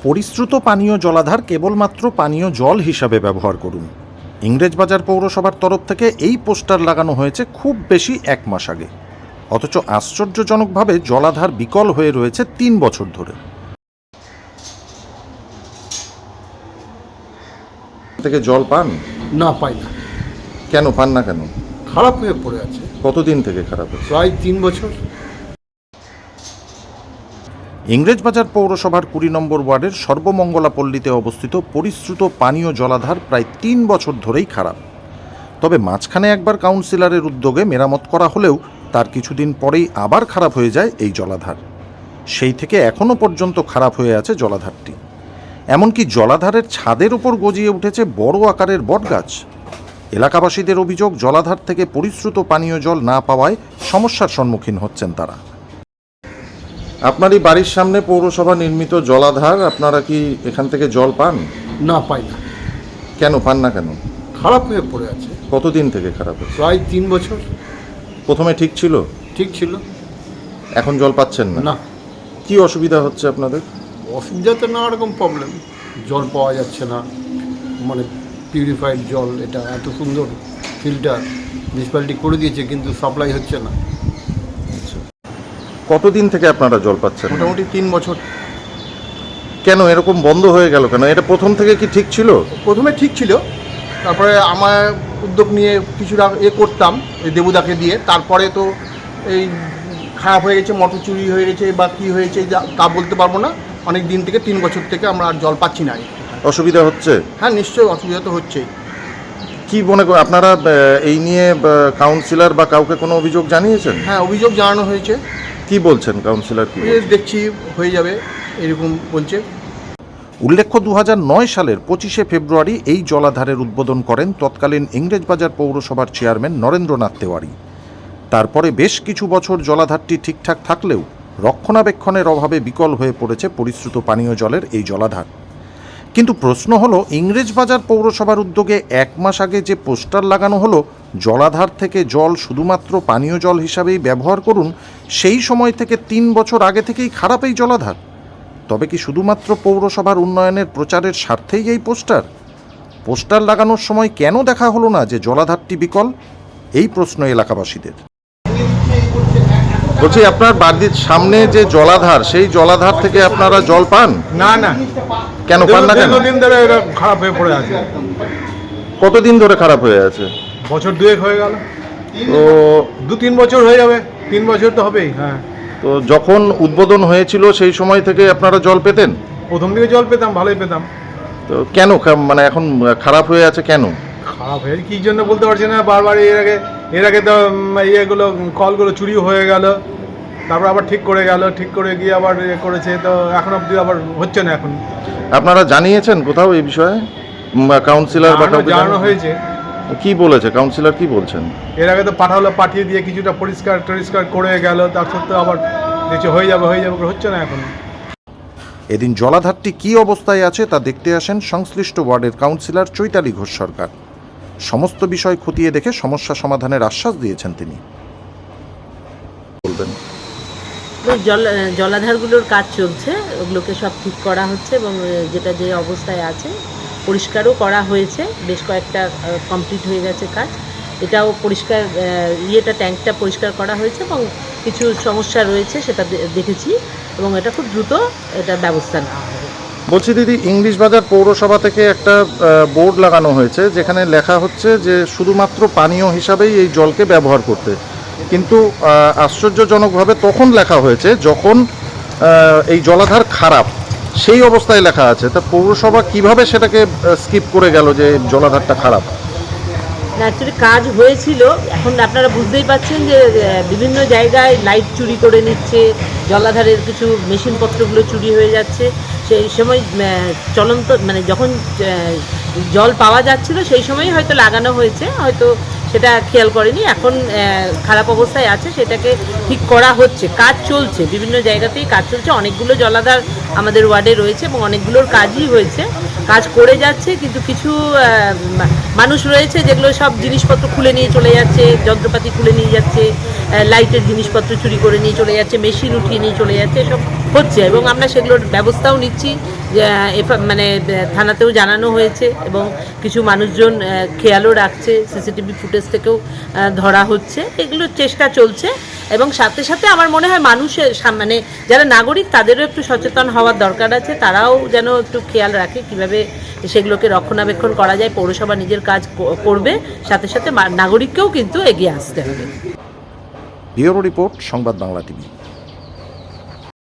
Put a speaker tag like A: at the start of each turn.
A: পরিশ্রুত পানীয় জলাধার কেবলমাত্র পানীয় জল হিসাবে ব্যবহার করুন। ইংরেজবাজার পৌরসভার তরফ থেকে এই পোস্টার লাগানো হয়েছে খুব বেশি 1 মাস আগে। অথচ আশ্চর্যজনকভাবে জলাধার বিকল হয়ে রয়েছে 3 বছর ধরে। থেকে জল পান?
B: না, পাই না।
A: কেন পান না? কেন?
B: খারাপ হয়ে পড়ে আছে।
A: কতদিন থেকে খারাপ হচ্ছে?
B: প্রায় 3 বছর।
A: ইংরেজবাজার পৌরসভার 20 নম্বর ওয়ার্ডের সর্বমঙ্গলা পল্লীতে অবস্থিত পরিশ্রুত পানীয় জলাধার প্রায় 3 বছর ধরেই খারাপ। তবে মাঝখানে একবার কাউন্সিলরের উদ্যোগে মেরামত করা হলেও তার কিছুদিন পরেই আবার খারাপ হয়ে যায় এই জলাধার। সেই থেকে এখনও পর্যন্ত খারাপ হয়ে আছে জলাধারটি। এমনকি জলাধারের ছাদের উপর গজিয়ে উঠেছে বড় আকারের বটগাছ। এলাকাবাসীদের অভিযোগ, জলাধার থেকে পরিশ্রুত পানীয় জল না পাওয়ায় সমস্যার সম্মুখীন হচ্ছেন তারা। আপনারই বাড়ির সামনে পৌরসভা নির্মিত জলাধার, আপনারা কি এখান থেকে জল পান?
B: না, পাই না।
A: কেন পান না? কেন?
B: খারাপ হয়ে পড়ে আছে।
A: কতদিন থেকে খারাপ হচ্ছে?
B: প্রায় 3 বছর।
A: প্রথমে ঠিক ছিল?
B: ঠিক ছিল।
A: এখন জল পাচ্ছেন না?
B: না।
A: কি অসুবিধা হচ্ছে আপনাদের?
B: অসুবিধা তো নানা রকম প্রবলেম। জল পাওয়া যাচ্ছে না, মানে পিউরিফাইড জল, এটা এত সুন্দর ফিল্টার মিউনিসিপ্যালিটি করে দিয়েছে, কিন্তু সাপ্লাই হচ্ছে না।
A: কতদিন থেকে আপনারা জল পাচ্ছেন?
B: মোটামুটি 3 বছর।
A: কেন এরকম বন্ধ হয়ে গেল কেন? এটা প্রথম থেকে কি ঠিক ছিল?
B: প্রথমে ঠিক ছিল, তারপরে আমার উদ্যোগ নিয়ে কিছুটা করতাম ওই দেবুদাকে দিয়ে। তারপরে তো এই খারাপ হয়ে গেছে, মোটর চুরি হয়ে গেছে বা কী হয়েছে তা বলতে পারবো না। অনেক দিন থেকে 3 বছর থেকে আমরা আর জল পাচ্ছি না।
A: অসুবিধা হচ্ছে?
B: হ্যাঁ, নিশ্চয়ই অসুবিধা তো হচ্ছেই।
A: কি মনে করেন আপনারা এই নিয়ে কাউন্সিলর বা কাউকে কোনো অভিযোগ জানিয়েছেন?
B: হ্যাঁ, অভিযোগ জানানো হয়েছে।
A: কি বলছেন কাউন্সিলর? কি
B: দেখছি হয়ে যাবে এরকম বলছে।
A: উল্লেখ্য, 2009 সালের 25শে ফেব্রুয়ারি এই জলাধারের উদ্বোধন করেন তৎকালীন ইংরেজবাজার পৌরসভার চেয়ারম্যান নরেন্দ্রনাথ তেওয়ারি। তারপরে বেশ কিছু বছর জলাধারটি ঠিকঠাক থাকলেও রক্ষণাবেক্ষণের অভাবে বিকল হয়ে পড়েছে পরিশ্রুত পানীয় জলের এই জলাধার। কিন্তু প্রশ্ন হলো, ইংরেজবাজার পৌরসভার উদ্যোগে 1 মাস আগে যে পোস্টার লাগানো হলো, জলাধার থেকে জল শুধুমাত্র পানীয় জল হিসাবেই ব্যবহার করুন, সেই সময় থেকে 3 বছর আগে থেকেই খারাপ এই জলাধার। তবে কি শুধুমাত্র পৌরসভার উন্নয়নের প্রচারের স্বার্থেই এই পোস্টার লাগানোর সময় কেন দেখা হলো না যে জলাধারটি বিকল? এই প্রশ্ন এলাকাবাসীদের। বলছি, আপনার বাড়ির সামনে যে জলাধার, সেই জলাধার থেকে আপনারা জল পান?
B: না, না।
A: কেন পান না? কেন?
B: দীর্ঘদিন ধরে এটা খারাপ হয়ে পড়ে আছে।
A: কতদিন ধরে খারাপ হয়ে আছে?
B: বছর 2 হয়ে গেল।
A: তো
B: 2-3 বছর হয়ে যাবে। 3 বছর তো হবেই। হ্যাঁ।
A: তো যখন উদ্বোধন হয়েছিল সেই সময় থেকে আপনারা জল পেতেন?
B: প্রথম দিকে জল পেতাম, ভালোই পেতাম।
A: তো কেন মানে এখন খারাপ হয়ে আছে কেন?
B: খারাপ হয়ে কী জন্য বলতে পারছি না। বারবার এর আগে তো ইয়েগুলো কলগুলো চুরি হয়ে গেল, তারপর আবার ঠিক করে গিয়ে আবার করেছে, তো এখন অবধি আবার হচ্ছে না। এখন
A: আপনারা জানিয়েছেন কোথাও এই বিষয়ে? কাউন্সিলর বা কাউকে
B: জানানো হয়েছে।
A: কি বলেছে কাউন্সিলর? কি বলছেন?
B: এর আগে তো পাঠিয়ে দিয়ে কিছুটা পরিষ্কার করে গেল, তার সত্ত্বেও আবার কিছু হয়ে যাবে হচ্ছে না এখন।
A: এদিন জলাধারটি কী অবস্থায় আছে তা দেখতে আসেন সংশ্লিষ্ট ওয়ার্ডের কাউন্সিলর চৈতালি ঘোষ সরকার। সমস্ত বিষয় খতিয়ে দেখে সমস্যা সমাধানের আশ্বাস দিয়েছেন তিনি। বলবেন,
C: জলাধারগুলোর কাজ চলছে, ওগুলোকে সব ঠিক করা হচ্ছে এবং যেটা যে অবস্থায় আছে পরিষ্কারও করা হয়েছে। বেশ কয়েকটা কমপ্লিট হয়ে গেছে কাজ। এটাও পরিষ্কার, ট্যাঙ্কটা পরিষ্কার করা হয়েছে এবং কিছু সমস্যা রয়েছে সেটা দেখেছি এবং এটা খুব দ্রুত এটা ব্যবস্থা নেওয়া হবে।
A: বলছি দিদি, ইংরেজবাজার পৌরসভা থেকে একটা বোর্ড লাগানো হয়েছে যেখানে লেখা হচ্ছে যে শুধুমাত্র পানীয় হিসাবেই এই জলকে ব্যবহার করতে, কিন্তু আশ্চর্যজনকভাবে তখন লেখা হয়েছে যখন এই জলাধার খারাপ, সেই অবস্থায় লেখা আছে। তা পৌরসভা কিভাবে সেটাকে স্কিপ করে গেল যে জলাধারটা খারাপ?
C: অ্যাকচুয়ালি কাজ হয়েছিল, এখন আপনারা বুঝতেই পাচ্ছেন যে বিভিন্ন জায়গায় লাইট চুরি করে নিচ্ছে, জলাধারের কিছু মেশিনপত্রগুলো চুরি হয়ে যাচ্ছে। সেই সময় চলন্ত মানে যখন জল পাওয়া যাচ্ছিল সেই সময়ই হয়তো লাগানো হয়েছে, হয়তো সেটা খেয়াল করেনি। এখন খারাপ অবস্থায় আছে, সেটাকে ঠিক করা হচ্ছে, কাজ চলছে, বিভিন্ন জায়গাতেই কাজ চলছে। অনেকগুলো জলাধার আমাদের ওয়ার্ডে রয়েছে এবং অনেকগুলোর কাজই হয়েছে, কাজ করে যাচ্ছে। কিন্তু কিছু মানুষ রয়েছে যেগুলো সব জিনিসপত্র খুলে নিয়ে চলে যাচ্ছে, যন্ত্রপাতি খুলে নিয়ে যাচ্ছে, লাইটের জিনিসপত্র চুরি করে নিয়ে চলে যাচ্ছে, মেশিন উঠিয়ে নিয়ে চলে যাচ্ছে, এসব হচ্ছে এবং আমরা সেগুলোর ব্যবস্থাও নিচ্ছি। মানে থানাতেও জানানো হয়েছে এবং কিছু মানুষজন খেয়ালও রাখছে, সিসিটিভি ফুটেজ থেকেও ধরা হচ্ছে, এগুলো চেষ্টা চলছে। এবং সাথে সাথে আমার মনে হয় মানুষের মানে যারা নাগরিক তাদেরও একটু সচেতন হওয়ার দরকার আছে, তারাও যেন একটু খেয়াল রাখে কীভাবে সেগুলোকে রক্ষণাবেক্ষণ করা যায়। পৌরসভা নিজের কাজ করবে, সাথে সাথে নাগরিককেও কিন্তু এগিয়ে আসতে হবে।
A: ব্যুরো রিপোর্ট, সংবাদ বাংলা টিভি।